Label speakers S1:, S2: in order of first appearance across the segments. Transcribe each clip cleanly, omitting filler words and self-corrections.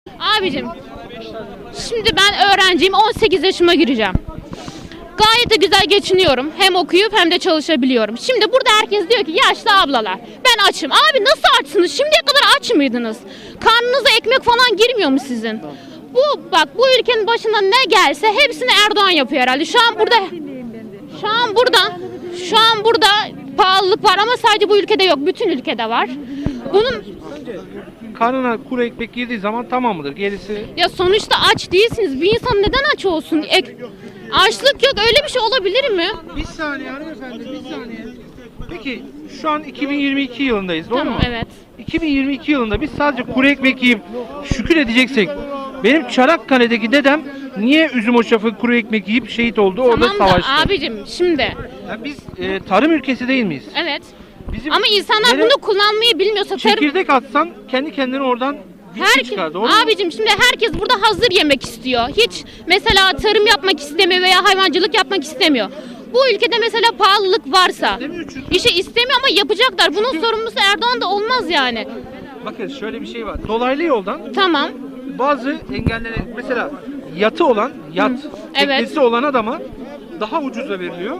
S1: Abicim, şimdi ben öğrenciyim, 18 yaşıma gireceğim. Gayet de güzel geçiniyorum. Hem okuyup hem de çalışabiliyorum. Şimdi burada herkes diyor ki yaşlı ablalar, ben açım. Abi nasıl açsınız? Şimdiye kadar aç mıydınız? Karnınıza ekmek falan girmiyor mu sizin? Bu ülkenin başına ne gelse hepsini Erdoğan yapıyor herhalde. Şu an burada pahalılık var ama sadece bu ülkede yok. Bütün ülkede var. Bunun
S2: Karnına kuru ekmek girdiği zaman tamam mıdır? Gerisi
S1: ya sonuçta aç değilsiniz. Bir insan neden aç olsun? Açlık yok. Öyle bir şey olabilir mi?
S2: bir saniye hanımefendi, bir saniye. Peki şu an 2022 yılındayız, doğru
S1: Tamam,
S2: mu?
S1: evet.
S2: 2022 yılında biz sadece kuru ekmek yiyip şükür edeceksek, benim Çanakkale'deki dedem niye üzüm hoşafı kuru ekmek yiyip şehit oldu, orada
S1: Tamam da
S2: savaştı?
S1: abicim şimdi
S2: Ya biz tarım ülkesi değil miyiz?
S1: evet.
S2: Bizim
S1: Ama insanlar
S2: nereye-
S1: bunu kullanmayı bilmiyorsa tarım
S2: çekirdek atsan kendi kendine oradan bitki çıkar, doğru mu?
S1: abicim şimdi herkes burada hazır yemek istiyor. Hiç mesela tarım yapmak istemiyor veya hayvancılık yapmak istemiyor. Bu ülkede mesela pahalılık varsa işi istemiyor ama yapacaklar. Bunun sorumlusu Erdoğan da olmaz yani.
S2: Bakın şöyle bir şey var. Dolaylı yoldan
S1: Tamam.
S2: bazı engellere, mesela yatı olan, teknesi olan adama daha ucuza veriliyor.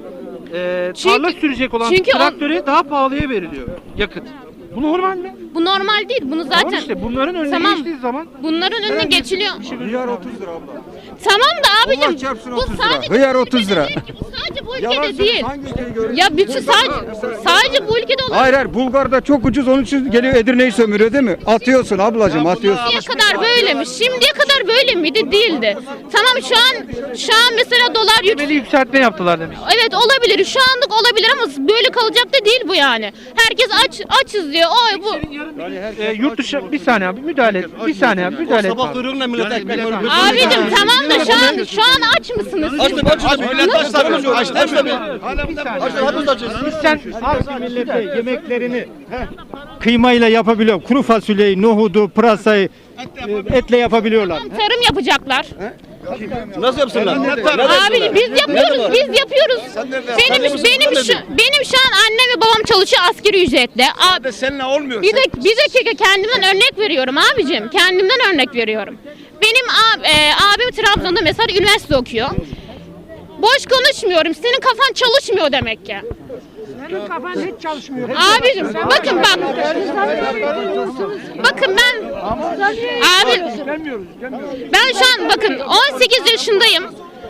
S2: Tarla sürecek olan
S1: çünkü
S2: traktöre daha pahalıya veriliyor yakıt. Bu normal mi?
S1: Bu normal değil. Bunu
S2: Tamam
S1: zaten
S2: işte bunların önüne
S1: Tamam.
S2: geçtiği zaman
S1: bunların önüne geçiliyor.
S3: Hıyar 30 lira abla.
S1: Tamam da
S3: Allah
S1: abicim
S3: çarpsın
S1: bu
S3: 30 lira.
S1: sadece
S3: Hıyar
S1: bu
S3: 30
S1: ülkede
S3: lira.
S1: değil ki, bu sadece bu
S3: Yalan
S1: ülkede değil.
S3: Hangi ülkeyi görüyorsun?
S1: Ya bütün sadece bu ülkede olan
S3: Hayır hayır, Bulgar'da çok ucuz, onun için geliyor Edirne'yi sömürüyor değil mi? Atıyorsun ablacığım, atıyorsun.
S1: şimdiye kadar böyle mi? Şimdiye kadar böyle miydi? Değildi. Tamam şu an mesela dolar
S2: temeli yükseltme yaptılar demiş.
S1: Evet olabilir. Şu anlık olabilir ama böyle kalacak da değil bu yani. Herkes açız diyor. Oy bu.
S2: Yurt dışı bir saniye abi müdahale et. Bir saniye abi müdahale et. abi.
S4: Kuyruğunla millet ekmek
S1: Abicim tamam da şu an aç mısınız?
S4: millet açlar
S2: Biz sen
S5: Millete yemeklerini kıymayla yapabiliyor. Kuru fasulyeyi, nohudu, pırasayı etle yapabiliyorlar.
S1: Tarım yapacaklar.
S4: nasıl yapsınlar?
S1: Abi biz yapıyoruz. Benim şu an annem ve babam çalışıyor asgari ücretle. Abi,
S4: Seninle olmuyor.
S1: bir dakika kendimden örnek veriyorum abicim. Kendimden örnek veriyorum. Benim abim Trabzon'da mesela üniversite okuyor. Boş konuşmuyorum. Senin kafan çalışmıyor demek ki.
S6: Senin kafan hiç çalışmıyor.
S1: Abicim bakın bak. Bakın abi ben şu an bakın 18 yaşındayım.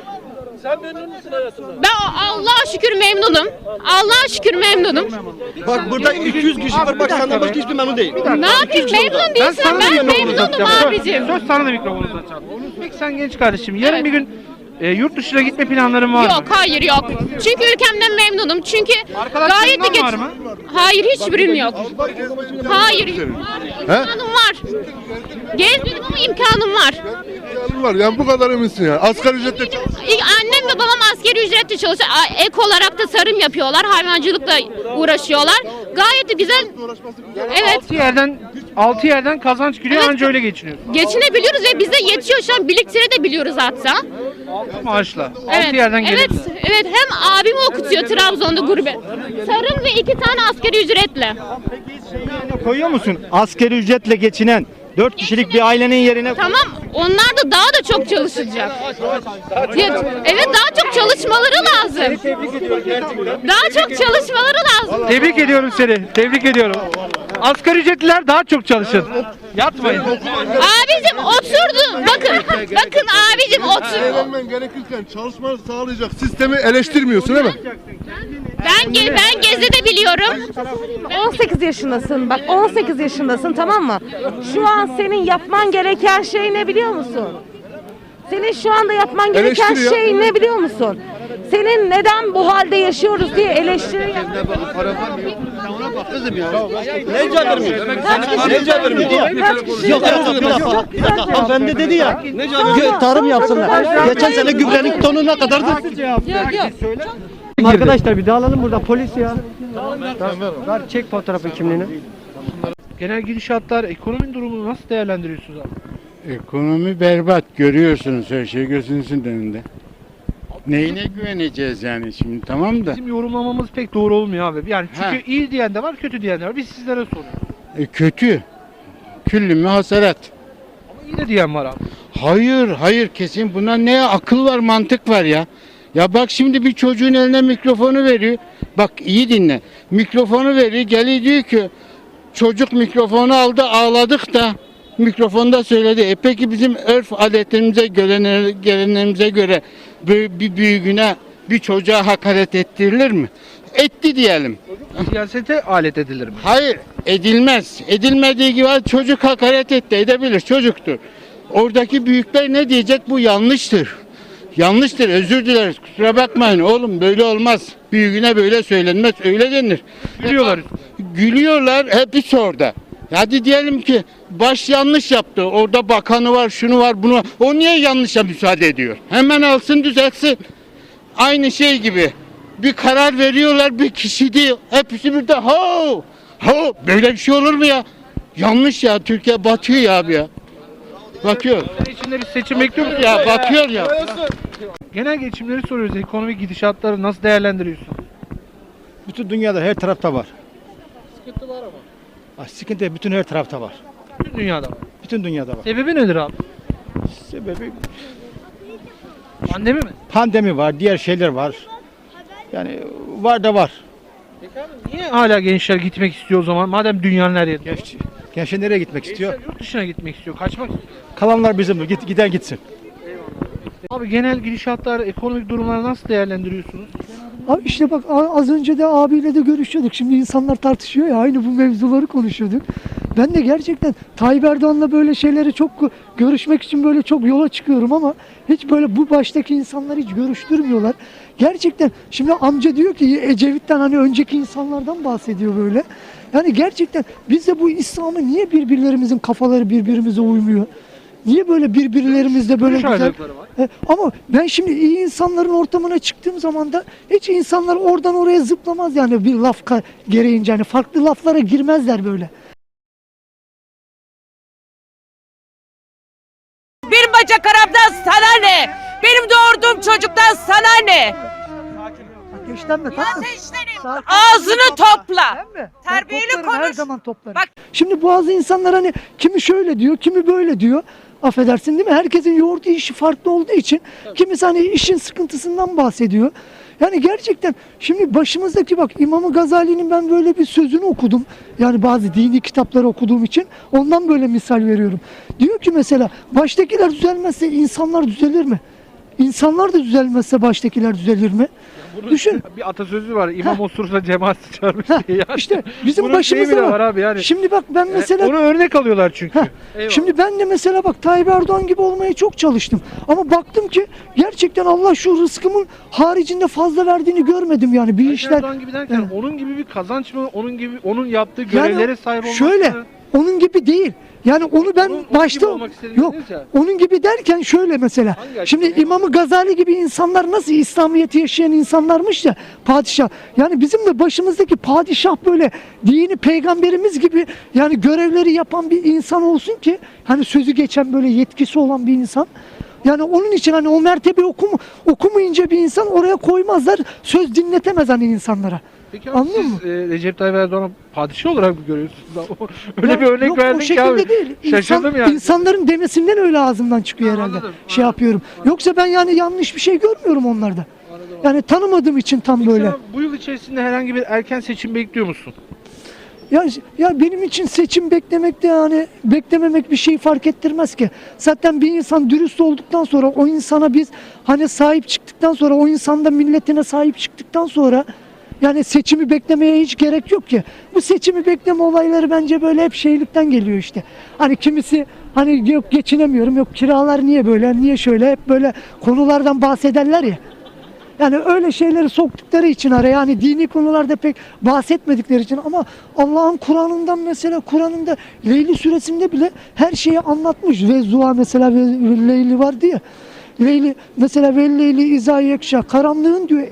S1: Ben Allah'a şükür memnunum. Allah'a şükür memnunum.
S4: Bak burada 200 kişi var. Bak senden başka hiçbir memnun değil.
S1: Ne yapayım memnun değilsen ben memnunum abicim.
S2: Söz sana da mikrofonu uzatacağım. Peki sen genç kardeşim yarın bir gün yurt dışına gitme planların var mı?
S1: Yok hayır yok. Çünkü ülkemden memnunum. Çünkü gayet de
S2: Arkadaşlarından var mı?
S1: Hayır hiçbirinin yok. Hayır. İmkanım var. Gezmedim ama imkanım var.
S7: Var yani bu kadar eminsin yani. Asgari ücretle
S1: Annem ve babam askeri ücretle çalışıyor. Ek olarak da tarım yapıyorlar. Hayvancılıkla uğraşıyorlar. Gayet de güzel. Evet.
S2: 6 yerden kazanç giriyor anca öyle geçiniyor.
S1: Geçinebiliyoruz ve bize yetiyor şu an biriktirebiliyoruz hatta.
S2: Maaşla. 6
S1: Evet,
S2: yerden geliyor.
S1: evet hem abimi okutuyor Trabzon'da gurbet. Tarım ve 2 tane asgari ücretle.
S5: Koyuyor musun? Asgari ücretle geçinen 4 kişilik bir ailenin yerine
S1: Tamam onlar da daha da çok çalışacak. Evet daha çok çalışmaları lazım. Daha çok çalışmaları lazım.
S2: Tebrik ediyorum seni. Tebrik ediyorum. Asgari ücretliler daha çok çalışın. Yatmayın.
S1: Abicim oturdu. Bakın abicim otur.
S7: eğlenmen gerekirken çalışmanı sağlayacak sistemi eleştirmiyorsun değil mi?
S1: Ben Gezi'de biliyorum.
S6: 18 yaşındasın. Bak 18 yaşındasın, tamam mı? Şu an senin yapman gereken şey ne biliyor musun? Senin şu anda yapman gereken
S7: Eleştiri ya.
S6: şey ne biliyor musun? Senin neden bu halde yaşıyoruz diye eleştiri yap.
S4: Ne cevap vermiyor? Ne cevap vermiyor? Yok
S5: bir dakika hanımefendi dedi ya
S4: Ne cevap
S5: tarım yapsınlar. Geçen sene gübrenin tonu ne kadardı? Arkadaşlar bir dağılalım burada, polis ya. Ver çek fotoğrafı kimliğini.
S2: Genel gidişatlar, ekonominin durumunu nasıl değerlendiriyorsunuz abi?
S8: Ekonomi berbat, görüyorsunuz her şey gözünüzün önünde. Neyine güveneceğiz yani şimdi, tamam da.
S2: Bizim yorumlamamız pek doğru olmuyor abi. Yani çünkü iyi diyen de var, kötü diyen de var. Biz sizlere soruyoruz.
S8: Kötü. Küllü mü hasarat.
S2: Ama İyi de diyen var abi.
S8: Hayır, hayır kesin buna ne akıl var, mantık var ya. Ya bak şimdi bir çocuğun eline mikrofonu veriyor. Bak iyi dinle. Mikrofonu veriyor, geliyor diyor ki çocuk mikrofonu aldı, ağladık da mikrofonda söyledi. Peki bizim örf adetlerimize, gelenlerimize göre bir büyüğüne, bir çocuğa hakaret ettirilir mi? Etti diyelim.
S2: Siyasete alet edilir mi?
S8: Hayır, edilmez. Edilmediği gibi çocuk hakaret etti, edebilir, çocuktur. Oradaki büyükler ne diyecek? Bu yanlıştır. Yanlıştır, özür dileriz. Kusura bakmayın oğlum, böyle olmaz. Büyüğüne böyle söylenmez, öyle denir.
S2: Gülüyorlar.
S8: Gülüyorlar, hepsi orada. Hadi diyelim ki baş yanlış yaptı. Orada bakanı var, şunu var, bunu var. O niye yanlışa müsaade ediyor? Hemen alsın, düzeltsin. Aynı şey gibi. Bir karar veriyorlar, bir kişi değil. Hepsi bir de ho! Ho! Böyle bir şey olur mu ya? Yanlış ya, Türkiye batıyor ya abi ya. Bakıyor.
S2: İçinde bir seçim bekliyor musun?
S8: Ya bakıyor ya.
S2: Genel geçimleri soruyoruz. Ekonomik gidişatları nasıl değerlendiriyorsun?
S5: Bütün dünyada her tarafta var. Sıkıntı var ama. Sıkıntı bütün her tarafta var.
S2: Bütün dünyada var.
S5: Bütün dünyada var.
S2: Sebebi nedir abi?
S5: Sebebi
S2: Pandemi mi?
S5: pandemi var, diğer şeyler var. Yani var da var.
S2: Niye hala gençler gitmek istiyor o zaman? Madem dünyanın her yerinde.
S5: Gençler nereye gitmek istiyor?
S2: Gençler yurt dışına gitmek istiyor. Kaçmak istiyor.
S5: Kalanlar bizimdir. Giden gitsin.
S2: Abi genel gidişatlar, ekonomik durumları nasıl değerlendiriyorsunuz?
S9: Abi işte bak az önce de abiyle de görüşüyorduk. Şimdi insanlar tartışıyor ya, aynı bu mevzuları konuşuyorduk. Ben de gerçekten Tayyip Erdoğan'la böyle şeyleri çok görüşmek için böyle çok yola çıkıyorum ama hiç böyle bu baştaki insanları hiç görüştürmüyorlar. Gerçekten şimdi amca diyor ki Ecevit'ten hani önceki insanlardan bahsediyor böyle. Yani gerçekten biz de bu İslam'ı niye birbirlerimizin kafaları birbirimize uymuyor? Niye böyle birbirlerimizle böyle
S2: Görüş
S9: güzel...
S2: ayrılıkları var.
S9: Ama ben şimdi iyi insanların ortamına çıktığım zaman da hiç insanlar oradan oraya zıplamaz yani bir laf gereğince hani farklı laflara girmezler böyle.
S6: Bir bacak Arap'tan sana ne? Benim doğurduğum çocuktan sana ne?
S9: Geçten de tatlım.
S6: Ağzını topla.
S9: Ben mi?
S6: Terbiyeli
S9: Ben toplarım, her
S6: konuş.
S9: zaman toplarım.
S6: Bak.
S9: Şimdi bazı insanlar hani kimi şöyle diyor, kimi böyle diyor. Affedersin değil mi? Herkesin yoğurduğu işi farklı olduğu için kimisi hani işin sıkıntısından bahsediyor. Yani gerçekten şimdi başımızdaki bak İmam Gazali'nin ben böyle bir sözünü okudum. Yani bazı dini kitapları okuduğum için ondan böyle misal veriyorum. Diyor ki mesela baştakiler düzelmezse insanlar düzelir mi? İnsanlar da düzelmezse baştakiler düzelir mi? Düşün.
S2: Bir atasözü var. İmam osursa cemaat sıçarmış diye. Yani.
S9: İşte bizim
S2: Bunun şeyi
S9: başımızda
S2: bile
S9: var.
S2: var abi yani.
S9: Şimdi bak ben mesela
S2: Onu örnek alıyorlar çünkü. Eyvallah.
S9: şimdi ben de mesela bak Tayyip Erdoğan gibi olmaya çok çalıştım. Ama baktım ki gerçekten Allah şu rızkımın haricinde fazla verdiğini görmedim yani bir
S2: Tayyip
S9: işler.
S2: Erdoğan gibi derken
S9: Evet.
S2: onun gibi bir kazanç mı? Onun gibi onun yaptığı
S9: Yani
S2: görevlere sahip olmak
S9: şöyle
S2: mı?
S9: onun gibi değil. Yani onu ben
S2: Onun
S9: başta
S2: gibi olmak istediğiniz
S9: yok.
S2: ya.
S9: Onun gibi derken şöyle mesela.
S2: Hangi
S9: Şimdi
S2: açıdan?
S9: İmam Gazali gibi insanlar nasıl İslamiyet'i yaşayan insanlarmış ya padişah. Yani bizim de başımızdaki padişah böyle dini peygamberimiz gibi yani görevleri yapan bir insan olsun ki hani sözü geçen böyle yetkisi olan bir insan. Yani onun için hani o mertebe okumayınca bir insan oraya koymazlar. Söz dinletemez hani insanlara.
S2: Peki abi
S9: Anlıyor
S2: siz Recep Tayyip Erdoğan'ı padişah olarak mı görüyorsunuz? Öyle
S9: Ya
S2: bir örnek
S9: yok,
S2: verdin
S9: o
S2: ki
S9: şekilde
S2: abi.
S9: değil.
S2: Şaşırdım yani.
S9: İnsanların demesinden öyle ağzımdan çıkıyor
S2: Ha,
S9: herhalde.
S2: anladım,
S9: Şey
S2: anladım.
S9: yapıyorum. Yoksa ben yani yanlış bir şey görmüyorum onlarda. Yani tanımadığım için tam
S2: Peki
S9: böyle.
S2: sen bu yıl içerisinde herhangi bir erken seçim bekliyor musun?
S9: Ya benim için seçim beklemek de yani beklememek bir şey fark ettirmez ki. Zaten bir insan dürüst olduktan sonra o insana biz hani sahip çıktıktan sonra o insan da milletine sahip çıktıktan sonra yani seçimi beklemeye hiç gerek yok ki. Bu seçimi bekleme olayları bence böyle hep şeylikten geliyor işte. Hani kimisi hani yok geçinemiyorum, yok kiralar niye böyle, niye şöyle hep böyle konulardan bahsederler ya. Yani öyle şeyleri soktukları için araya hani dini konularda pek bahsetmedikleri için ama Allah'ın Kur'an'ından mesela Kur'an'ında Leyli suresinde bile her şeyi anlatmış. Ve Zuha mesela ve Leyli vardı ya. Leyli mesela ve Leyli izâ yekşâ karanlığın diyor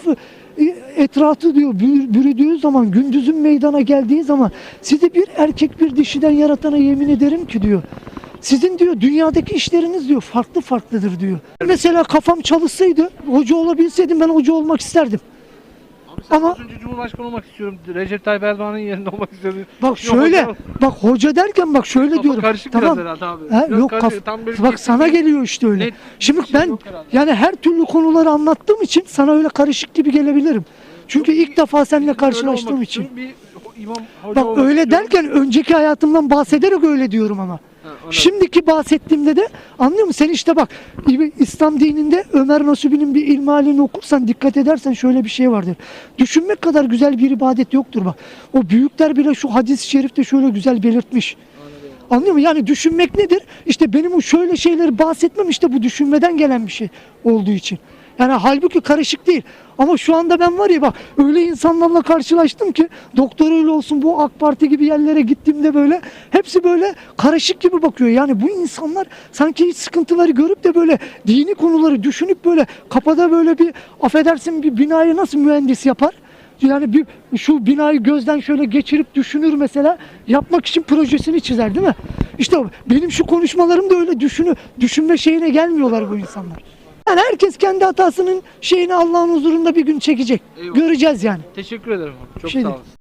S9: etrafı diyor bürüdüğü zaman gündüzün meydana geldiği zaman sizi bir erkek bir dişiden yaratana yemin ederim ki diyor. Sizin diyor dünyadaki işleriniz diyor farklı farklıdır diyor. Mesela kafam çalışsaydı hoca olabilseydim ben hoca olmak isterdim. Ama
S2: Az önce Cumhurbaşkanı olmak istiyorum. Recep Tayyip Erdoğan'ın yerinde olmak istiyorum.
S9: bak
S2: Yok
S9: şöyle,
S2: hocam,
S9: bak hoca derken bak şöyle
S2: kafa
S9: diyorum.
S2: karışık
S9: Tamam.
S2: biraz herhalde abi.
S9: Ha,
S2: Biraz
S9: yok
S2: karışık, tam böyle
S9: bak
S2: kesin
S9: sana
S2: bir-
S9: geliyor işte öyle.
S2: net
S9: Şimdi
S2: bir şey
S9: ben
S2: yok herhalde.
S9: yani her türlü konuları anlattığım için sana öyle karışık gibi gelebilirim. Çünkü ilk defa seninle
S2: Öyle
S9: karşılaştığım
S2: olmak
S9: için.
S2: istiyorum, bir imam hoca
S9: Bak
S2: olmak
S9: öyle
S2: istiyorum.
S9: derken önceki hayatımdan bahsederek öyle diyorum ama.
S2: anladım.
S9: Şimdiki bahsettiğimde de anlıyor musun? Sen işte bak İslam dininde Ömer Nasubi'nin bir ilmihalini okursan dikkat edersen şöyle bir şey vardır. Düşünmek kadar güzel bir ibadet yoktur bak. O büyükler bile şu hadis-i şerifte şöyle güzel belirtmiş. Anlıyor musun? Yani düşünmek nedir? İşte benim o şöyle şeyleri bahsetmem işte bu düşünmeden gelen bir şey olduğu için. Yani halbuki karışık değil. Ama şu anda ben var ya bak öyle insanlarla karşılaştım ki doktoruyla olsun bu AK Parti gibi yerlere gittiğimde böyle hepsi böyle karışık gibi bakıyor. Yani bu insanlar sanki hiç sıkıntıları görüp de böyle dini konuları düşünüp böyle kafada böyle bir affedersin bir binayı nasıl mühendis yapar? Yani bir şu binayı gözden şöyle geçirip düşünür mesela yapmak için projesini çizer değil mi? İşte benim şu konuşmalarım da öyle düşünme şeyine gelmiyorlar bu insanlar. Yani herkes kendi hatasının şeyini Allah'ın huzurunda bir gün çekecek.
S2: Eyvallah.
S9: Göreceğiz yani.
S2: Teşekkür ederim. Çok
S9: Şey
S2: sağ
S9: değil.
S2: olun.